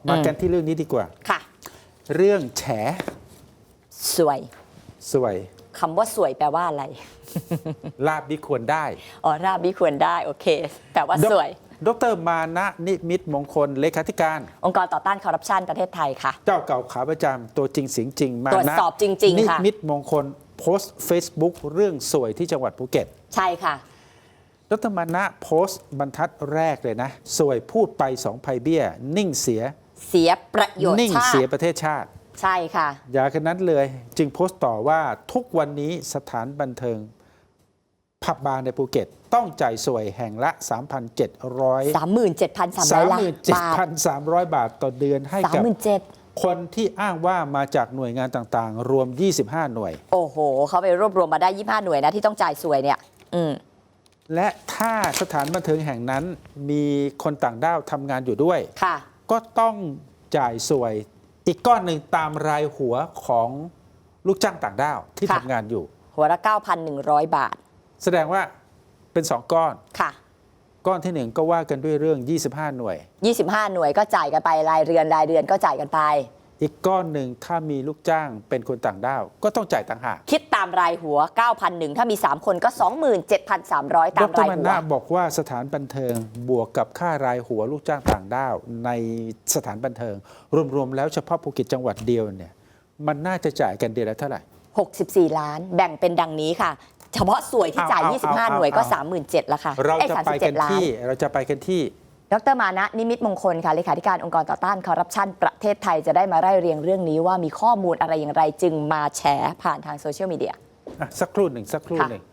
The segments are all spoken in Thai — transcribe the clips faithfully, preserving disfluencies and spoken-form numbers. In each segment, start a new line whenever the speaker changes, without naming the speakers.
มากันที่เรื่องนี้ดีกว่า
ค่ะ
เรื่องแฉ
สวย
สวย
คำว่าสวยแปลว่าอะไร
ลาบดิควรได้
อ๋อราบวิควรได้โอเคแปลว่าสวย
ดรมานะนิมิตมงคลเลขาธิการ
องค์กรต่อต้านคอร์รัปชันประเทศไทยค่ะ
เจ้าเก่าขาประจำตัวจริงเสียงจริงมานะ
ตรวจสอบจริงๆค่ะ
นิมิตมงคลโพสต์ Facebook เรื่องสวยที่จังหวัดภูเก็ต
ใช่ค่ะ
ดรมานะโพสต์บรรทัดแรกเลยนะสวยพูดไปสองภัยเบี้ยนิ่งเสีย
เสียประโยชน์
นิ่ง
ชาติ
เสียประเทศชาติ
ใช่ค่ะ
อย่ากันนั้นเลยจึงโพสต์ต่อว่าทุกวันนี้สถานบันเทิงผับบาร์ในภูเก็ตต้องจ่ายสวยแห่งละ สามพันเจ็ดร้อย
สามหมื่นเจ็ดพันสามร้อย ล้านบาท
สามร้อย บาทต่อเดือนให้กับคนที่อ้างว่ามาจากหน่วยงานต่างๆ รวม ยี่สิบห้า หน่วย
โอ้โหเขาไปรวบรวมมาได้ยี่สิบห้าหน่วยนะที่ต้องจ่ายสวยเนี่ยอืม
และถ้าสถานบันเทิงแห่งนั้นมีคนต่างด้าวทำงานอยู่ด้วย
ค่ะ
ก็ต้องจ่ายสวยอีกก้อนหนึ่งตามรายหัวของลูกจ้างต่างด้าวที่ทำงานอยู่
หัวละ เก้าพันหนึ่งร้อย บาท
แสดงว่าเป็นสองก้อน
ค่ะ
ก้อนที่หนึ่งก็ว่ากันด้วยเรื่องยี่สิบห้าหน่วย
ยี่สิบห้าหน่วยก็จ่ายกันไปรายเรือนรายเดือนก็จ่ายกันไป
อีกก้อนหนึ่งถ้ามีลูกจ้างเป็นคนต่างด้าวก็ต้องจ่ายต่างหาก
คิดตามรายหัว เก้าพันหนึ่ง ถ้ามีสามคนก็ สองหมื่นเจ็ดพันสามร้อย ตามรายหัวดร.
มานะบอกว่าสถานบันเทิงบวกกับค่ารายหัวลูกจ้างต่างด้าวในสถานบันเทิงรวมๆแล้วเฉพาะภูเก็ตจังหวัดเดียวเนี่ยมันน่าจะจ่ายกันเดือนละเท่าไหร่
หกสิบสี่ ล้านแบ่งเป็นดังนี้ค่ะเฉพาะสวยที่จ่ายยี่สิบห้าหน่วยก็ สามหมื่นเจ็ดพัน แล้วค่ะ
เราจะไปกันที่เราจะไปกันที่
ดรมานะนิมิตมงคลค่ะเลขาธิการองค์กรต่อต้านคอร์รัปชันประเทศไทยจะได้มาไล่เรียงเรื่องนี้ว่ามีข้อมูลอะไรอย่างไรจึงมาแฉผ่านทางโซเชียลมีเดีย
สักครู่หนึ่งสักครู่หนึ่ง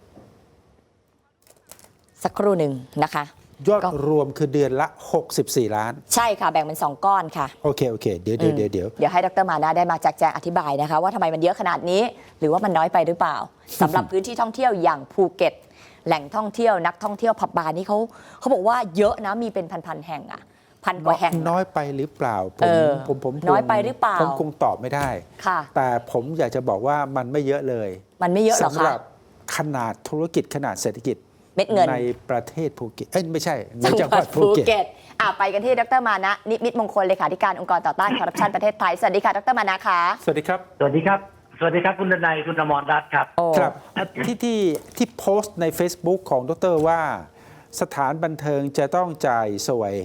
สักครู่หนึ่งนะคะ
ยอดรวมคือเดือนละหกสิบสี่ล้าน
ใช่ค่ะแบ่งเป็นสองก้อนค่ะ
โอเคโอเคเดี๋ยวเดี๋ยวเดี๋ยวเดี๋ยว
เดี๋ยวให้ดรมานะได้มาแจกแจงอธิบายนะคะว่าทำไมมันเยอะขนาดนี้หรือว่ามันน้อยไปหรือเปล่าสำหรับพื้นที่ท่องเที่ยวอย่างภูเก็ตแหล่งท่องเที่ยวนักท่องเที่ยวผับบาร์นี่เขาเขาบอกว่าเยอะนะมีเป็นพันๆแห่งอะพันกว่าแห่ง
น้อยไปหรือเปล่าผมผมผม
น้อยไปหรือเปล่า
ผมคงตอบไม่ได้
ค่ะ
แต่ผมอยากจะบอกว่ามันไม่เยอะเลย
มันไม่เยอะหรอคะ
สำหรับขนาดธุรกิจขนาดเศรษฐกิจ
เม็ดเงิน
ในประเทศภูเก็ตเอ้ยไม่ใช่ในจังหวัดภูเก็ต
อ่ะไปกันที่ดรมานะนิมิตมงคลเลขาธิการองค์กรต่อต้านคอร์รัปชันประเทศไทยสวัสดีค่ะดรมานะคะ
สวัสดีครับ
สวัสดีครับสวัสดีครับคุณดนัยคุณอมรรัตน์ครับ
ครับที่ที่ที่โพสต์ใน Facebook ของดรว่าสถานบันเทิงจะต้องจ่ายสวย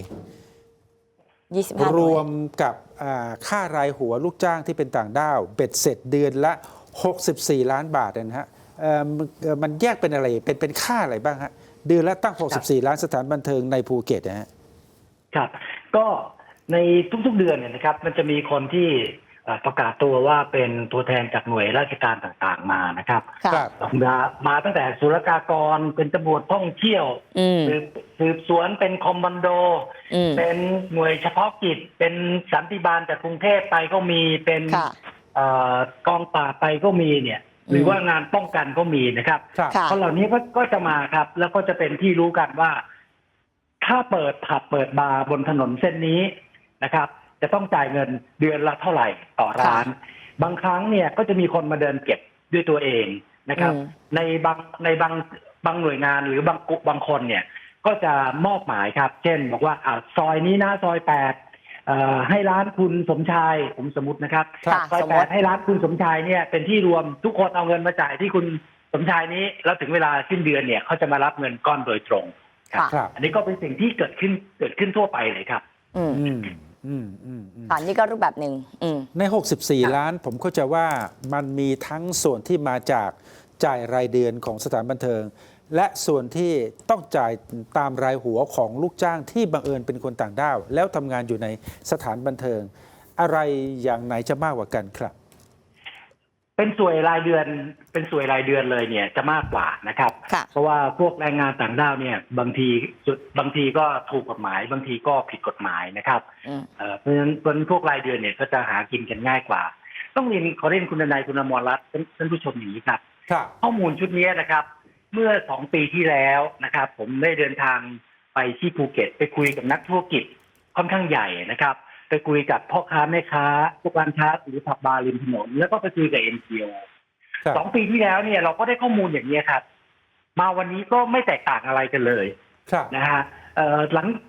รวมกับค่ารายหัวลูกจ้างที่เป็นต่างด้าวเบ็ดเสร็จเดือนละหกสิบสี่ล้านบาทนะฮะมันแยกเป็นอะไรเป็นเป็นค่าอะไรบ้างฮะเดือนละตั้งหกสิบสี่ล้านสถานบันเทิงในภูเก็ตนะฮะ
ครับก็ในทุกๆเดือนเนี่ยนะครับมันจะมีคนที่ประกาศตัวว่าเป็นตัวแทนจากหน่วยราชการต่างๆมานะครับมามาตั้งแต่ศุลกากรเป็นตำรวจท่องเที่ยวสืบสวนเป็นคอมบันโดเป็นหน่วยเฉพาะกิจเป็นสันติบาลจากกรุงเทพไปก็มีเป็นกองปราบไปก็มีเนี่ยหรือว่างานป้องกันก็มีนะครับคนเหล่านี้ก็ก็จะมาครับแล้วก็จะเป็นที่รู้กันว่าถ้าเปิดผับเปิดบาร์บนถนนเส้นนี้นะครับจะต้องจ่ายเงินเดือนละเท่าไหร่ต่อร้านบางครั้งเนี่ยก็จะมีคนมาเดินเก็บด้วยตัวเองนะครับในบางในบางบางหน่วยงานหรือบางบางคนเนี่ยก็จะมอบหมายครับเช่นบอกว่าอ่าซอยนี้นะซอยแปดให้ร้านคุณสมชายผมสมมตินะครับซอยแปดให้ร้านคุณสมชายเนี่ยเป็นที่รวมทุกคนเอาเงินมาจ่ายที่คุณสมชายนี้แล้วถึงเวลาสิ้นเดือนเนี่ยเขาจะมารับเงินก้อนโดยตรงครับอันนี้ก็เป็นสิ่งที่เกิดขึ้นเกิดขึ้นทั่วไปเลยครับ
อืมอืมอืมอันนี้ก็รูปแบบหนึ่ง
ในหกสิบสี่ล้านผมเข้าใจว่ามันมีทั้งส่วนที่มาจากจ่ายรายเดือนของสถานบันเทิงและส่วนที่ต้องจ่ายตามรายหัวของลูกจ้างที่บังเอิญเป็นคนต่างด้าวแล้วทำงานอยู่ในสถานบันเทิงอะไรอย่างไหนจะมากกว่ากันครับ
เป็นสวยรายเดือนเป็นสวยรายเดือนเลยเนี่ยจะมากกว่านะครับเพราะว่าพวกแรงงานต่างด้าวเนี่ยบางทีบางทีก็ถูกกฎหมายบางทีก็ผิดกฎหมายนะครับเพราะฉะนั้นพวกรายเดือนเนี่ยก็จะหากินกันง่ายกว่าต้องเรียนขอเรียนคุณนายคุณอมรรัตน์ท่านผู้ชมอย่างนี้ครับข้อมูลชุดนี้นะครับเมื่อสองปีที่แล้วนะครับผมได้เดินทางไปที่ภูเก็ตไปคุยกับนักธุรกิจค่อนข้างใหญ่นะครับไปคุยกับพ่อค้าแม่ค้าผู้การค้าหรือผับบาร์ริมถนนแล้วก็ไปคุยกับ เอ็น จี โอ สองปีที่แล้วเนี่ยเราก็ได้ข้อมูลอย่างนี้ครับมาวันนี้ก็ไม่แตกต่างอะไรกันเลยนะฮะหลัง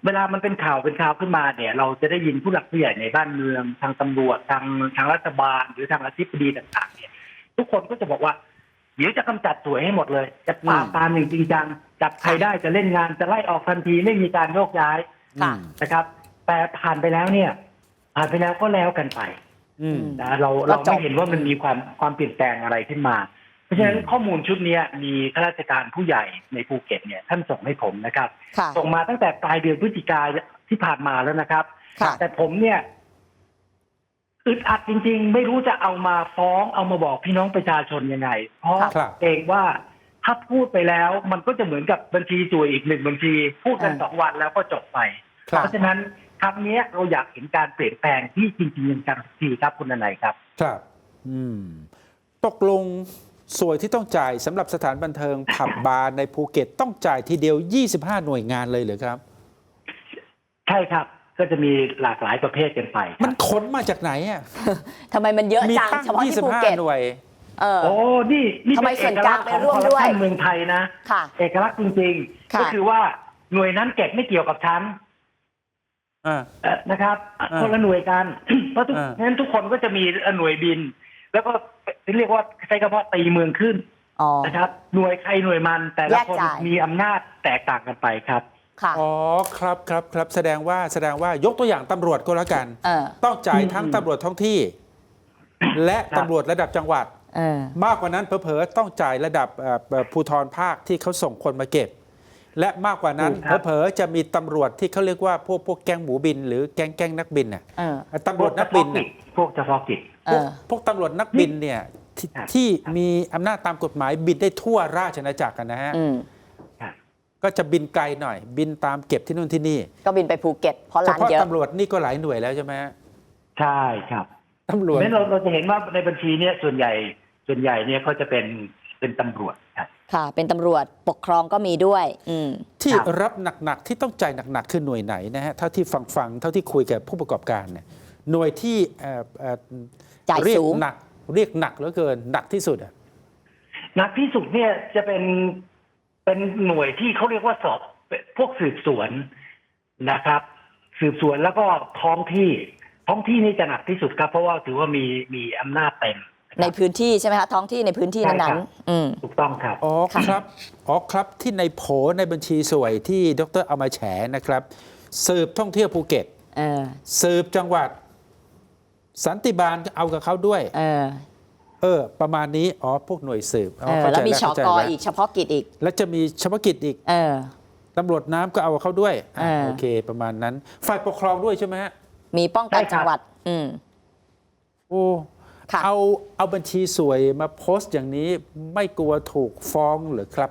เวลามันเป็นข่าวเป็นข่าวขึ้นมาเนี่ย เราจะได้ยินผู้หลักผู้ใหญ่ในบ้านเมืองทางตำรวจทางทางรัฐบาลหรือทางอธิบดีต่างๆเนี่ยทุกคนก็จะบอกว่าเดี๋ยวจะกำจัดสวยให้หมดเลยจะปราบปรามอย่างจริงจังจับใครได้จะเล่นงานจะไล่ออกทันทีไม่มีการโยกย้าย
ค่ะ
นะครับ แต่ผ่านไปแล้วเนี่ยผ่านไปแล้วก็แล้วกันไป
อืม
นะเราเราไม่เห็นว่ามันมีความความเปลี่ยนแปลงอะไรขึ้นมา เพราะฉะนั้นข้อมูลชุดนี้มีข้าราชการผู้ใหญ่ในภูเก็ตเนี่ยท่านส่งให้ผมนะครับ
ค่ะ
ส่งมาตั้งแต่ปลายเดือนพฤศจิกาที่ผ่านมาแล้วนะครับ
ค่ะ
แต่ผมเนี่ยอึดอัดจริงๆ ไม่รู้จะเอามาฟ้องเอามาบอกพี่น้องประชาชนยังไง เพราะ
ครับ
เกรงว่าถ้าพูดไปแล้ว มันก็จะเหมือนกับบัญชีจ่วยอีกหนึ่งบัญชี พูดกัน
อ่า
สองวันแล้วก็จบไป
ครับ
เพราะฉะนั้นครั้งนี้เราอยากเห็นการเปลี่ยนแปลงที่จริงๆจังๆสักทีครับคุณนายครับ
ครับอืมตกลงสวยที่ต้องจ่ายสำหรับสถานบันเทิง ผับบาร์ในภูเก็ตต้องจ่ายทีเดียว ยี่สิบห้า หน่วยงานเลยเหรือครับ
ใช่ครับ ก็จะมีหลากหลายประเภทกันไปค
มั
รั
น
บ
ขนมาจากไหนอ่ะ
ทำไมมันเยอะ
มี
จัง
ตั้ง
เฉพาะที่ภู
ยี่สิบห้า
เก็ต
หน่วย
เออ
โอ้นี่นี่
ทำไม
เป็น
ส่
เอ
วน
ก
กลาง
ลักษณ์ของ
ไปร่วม
คอร์รัป
ด้วย
ชันเมืองไทยนะ
ค่ะ
เอกลักษณ์จริงๆ
ค่ะ
ก็คือว่าหน่วยนั้นเก็บไม่เกี่ยวกับฉัน
อ่า
เอ่อนะครับ
อ่า
คนละหน่วยกัน เพราะทุก
อ่า
งั้นทุกคนก็จะมีหน่วยบิน แล้วก็เรียกว่าใช้คำว่าตีเมืองขึ้น
อ๋อ
นะครับ หน่วยใครหน่วยมัน แต่ละ
แยก
คน
จ่าย
มีอำนาจแตกต่างกันไปครับ
ค่ะ
อ๋อครับครับครับแสดงว่าแสดงว่ายกตัวอย่างตำรวจก็แล้วกัน
เออ
ต้องจ่าย
อืม
ทั้งตำรวจท้องที่ และ
ครับ
ตำรวจระดับจังหวัด
เออ
มากกว่านั้นเผลอๆต้องจ่ายระดับเอ่อเอ่อภูธรภาคที่เขาส่งคนมาเก็บ และมากกว่านั้น
ถูกครับ
เผลอๆจะมีตำรวจที่เขาเรียกว่าพวกพวกแก๊งหมูบิน หรือแก๊งแก๊งนักบินน่ะ
เออ
ตำรวจนักบินน่ะ
พวกเฉพาะกิจ
เอ
พวก
อ
พวกตำรวจนักบินเนี่ยที่
ครับ
ที่มีอำนาจตามกฎหมายบินได้ทั่วราชอาณาจักรกันนะฮะ
อืม
ครับ
ก็จะบินไกลหน่อย บินตามเก็บที่นู่นที่นี่
ก็บินไปภูเก็ตเพราะ
เฉ
ร้าน
พาะ
เยอะ
ตำรวจนี่ก็หลายหน่วยแล้วใช่ไหมฮะ
ใช่ครับ
ตำรวจ
เพราะฉะนั้นเราเราจะเห็นว่าในบัญชีเนี่ยส่วนใหญ่ส่วนใหญ่เนี่ยก็จะเป็นเป็นตำรวจครับ
ค่ะ เป็นตำรวจปกครองก็มีด้วย อืม
ที่
ครับ
รับหนักๆที่ต้องจ่ายหนักๆคือหน่วยไหนนะฮะเท่าที่ฟังฟังๆเท่าที่คุยกับผู้ประกอบการเนี่ยหน่วยที่เอ่อเอ่อ
จ่าย
เรีย
สู
ก
ง
หนักเรียกหนักเหลือเกินหนักที่สุดอ่ะ
หนักที่สุดเนี่ยจะเป็นเป็นหน่วยที่เขาเรียกว่าสอบพวกสืบสวนนะครับ สืบสวนแล้วก็ท้องที่ท้องที่นี่จะหนักที่สุดครับ เพราะว่าถือว่ามีมีอำนาจเต็ม
ในพื้นที่ใช่ไหมคะ ท้องที่ในพื้นที่
ใช่
นั้
ครั
น
บ
ๆอืม
ถูกต้องครับ
อ๋อ
ค่ะ
ครับอ๋อครับที่ในโผในบัญชีสวยที่ดรเอามาแฉนะครับ สืบท่องเที่ยวภูเก็ต
เออ
สืบจังหวัด สันติบาลเอากับเขาด้วย
เออ
เออ ประมาณนี้อ๋อพวกหน่วยสืบอ๋
เอ
อ
อ
เข้า
แล้
ใจ
วมี
แล้ว
ช
เข้าใจ
ก
แล้ว
อีกเฉพาะกิจอีก
แล้วจะมีเฉพาะกิจอีก
เออ
ตำรวจน้ำก็เอากับเขาด้วยอ่ะ
เออ
โอเค ประมาณนั้น ฝ่ายปกครองด้วยใช่ไหมฮะ
มีป้องกัน
ใช่ครับ
จังหวัด อืม
โอ้
ค่ะ
เอาเอาบัญชีสวยมาโพสต์อย่างนี้ไม่กลัวถูกฟ้องเหรือครับ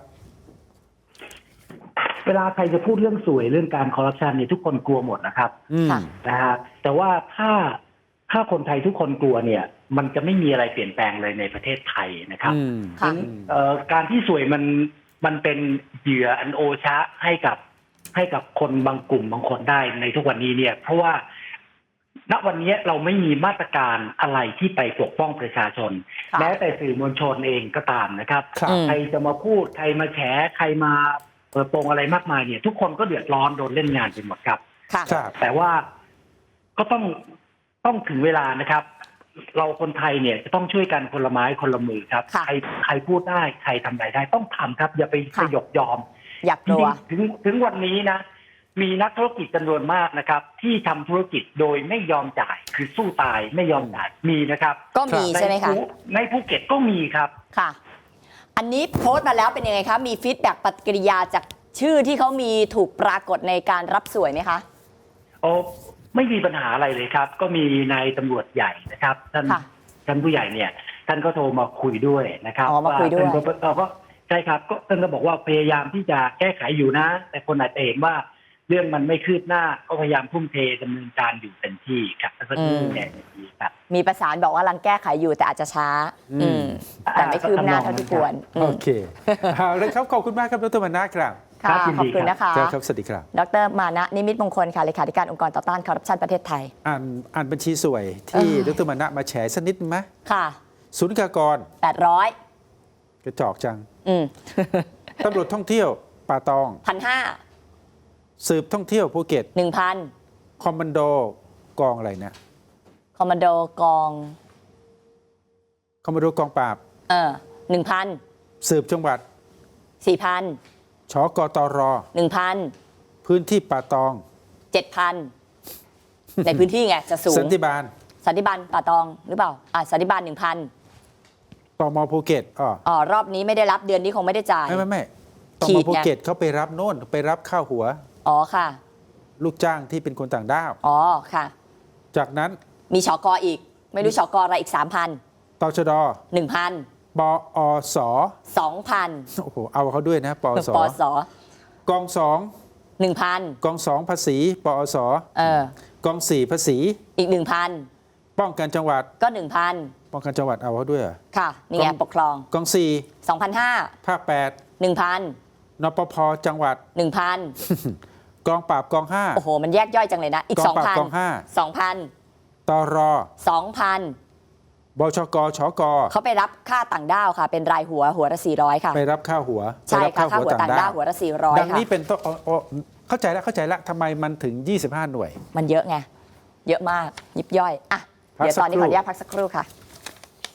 เวลาใครจะพูดเรื่องสวยเรื่องการคอร์รัปชันเนี่ยทุกคนกลัวหมดนะครับ
อืม
ค่ะ
นะฮะแต่ว่าถ้าถ้าคนไทยทุกคนกลัวเนี่ย มันจะไม่มีอะไรเปลี่ยนแปลงเลยในประเทศไทยนะครับ
อืม
ค่ะ
เอ่อการที่สวยมันมันเป็นเหยื่ออันโอชะให้กับให้กับคนบางกลุ่มบางคนได้ในทุกวันนี้เนี่ย เพราะว่าณวันนี้เราไม่มีมาตรการอะไรที่ไปปกป้องประชาชน
ค่ะ
แม้แต่สื่อมวลชนเองก็ตามนะครับ
ครับ
อืม
ใครจะมาพูดใครมาแฉใครมาเปิดโปงอะไรมากมายเนี่ย ทุกคนก็เดือดร้อนโดนเล่นงานไปหมดครับ
ค่ะ
ครับ
แต่ว่าก็ต้องต้องถึงเวลานะครับ เราคนไทยเนี่ยจะต้องช่วยกันคนละไม้คนละมือครับ
ค่ะ
ใครใครพูดได้ใครทำอะไรได้ต้องทำครับ อย่าไป
ค่ะ
สยบยอม
อยาก
จ
กลั
ริ
ว
งๆถึงถึงวันนี้นะ มีนักธุรกิจจำนวนมากนะครับ ที่ทำธุรกิจโดยไม่ยอมจ่าย คือสู้ตายไม่ยอมจ่ายมีนะครับ
ก็มีใช่ไหมคะ
ภูในภูเก็ตก็มีครับ
ค่ะ อันนี้โพสต์มาแล้วเป็นยังไงคะ มีฟีดแบ็กปฏิกิริยาจากชื่อที่เขามีถูกปรากฏในการรับสวยไหมคะ
โอ้ไม่มีปัญหาอะไรเลยครับ ก็มีนายตำรวจใหญ่นะครับท่าน
ค่ะ
ท่านผู้ใหญ่เนี่ย ท่านก็โทรมาคุยด้วยนะครับ
อ๋อมาคุยด้วย
ท่านก็เอ่อก็ใช่ครับก็ท่านก็บอกว่าพยายามที่จะแก้ไขอยู่นะ แต่คนอาจจะเห็นว่าเรื่องมันไม่คืบหน้าก็พยายามทุ่มเทดำเนินการอยู่เต็มที่ครับแล้วก็ที่เนี่ยดีครับ
มีประสานบอกว่ากำลังแก้ไขอยู่แต่อาจจะช้า
อืม
อืม แต่ไม่คืบหน้าเท่าที่ควรอื
โอ
ม
เคเอาเลยครับขอบคุณมากครับดรมานะครับ
ครั
ค่ะ
บยิน
ข
ดี
อบคุณ
ครับ
นะคะ
เจอครับสวัสดีครับ
ดรมานะนิมิตมงคลค่ะเลขาธิการองค์กรต่อต้านคอร์รัปชันประเทศไทย
อ่านอ่านบัญชีสวยที่
เออ
ดรมานะมาแฉสักนิดไหม
ค่ะ
ศูนย์กากร
แปดร้อย
กระจอกจัง
อืม
ตำรวจท่องเที่ยวป่าตอง
พันห้า
สืบท่องเที่ยวภูเก็ต
หนึ่งพัน
คอมมานโดกองอะไรนะ
คอมมานโดกอง
คอมมานโดกองปราบ
เออหนึ่งพัน
สืบจังหวัด
สี่พัน
ชกตร
หนึ่งพัน
พื้นที่ป่าตอง
เจ็ดพันในพื้นที่ไงจะสูง
สันติบาล
สันติบาลป่าตองหรือเปล่าอ่าสันติบาลหนึ่งพัน
ตมภูเก็ตอ๋อ
อ๋อรอบนี้ไม่ได้รับเดือนนี้คงไม่ได้จ่าย
ไม่ไม่ไม่ต
ขี
ม
ดไง
ภูเก็ตเขาไปรับโน่นไปรับข้าวหัว
อ๋อค่ะ
ลูกจ้างที่เป็นคนต่างด้าว
อ๋อค่ะ
จากนั้น
มีชกอีก ไม่รู้ชกอะไรอีกสามพัน
ตชด
หนึ่งพัน
ปอส
สองพัน
โอ้โหเอาเขาด้วยนะปอส
ปส
กองสอง
หนึ่งพัน
กองสองภาษีปอส
เออก
องสี่ภาษี
อีกหนึ่งพัน
ป้องกันจังหวัด
ก็หนึ่งพัน
ป้องกันจังหวัดเอาเขาด้วยเหรอ
ค่ะนี่ไง
กอง
ปกครอง
กองสี่
สองพันห้า
ภาคแปด
หนึ่งพัน
นปภจังหวัด
หนึ่งพัน
กองปราบกองห้า
โอ้โห มันแยกย่อยจังเลยนะ อีก
ก
ส
อ
อง ง
ปราบ
พัน
กองห้า
สองพัน
ตร
สองพัน
บชกชก
เขาไปรับค่าต่างด้าวค่ะ เป็นรายหัวหัวละสี่ร้อยค่ะ
ไปรับข้าวหัว
ใช่
ไปรับ
ค่ะค่าหัวต่างด้าวหัวละสี่ร้อย
ดัง
ค่ะ
นี้เป็นต้นอ๋ออ๋อเข้าใจแล้วเข้าใจแล้วทำไมมันถึง ยี่สิบห้า หน่วย
มันเยอะไง เยอะมากยิบย่อยอ่ะ
พัก
เดี๋ยว
สัก
ตอนนี้
ครู่
ขออนุญาตพักสักครู่ค่ะ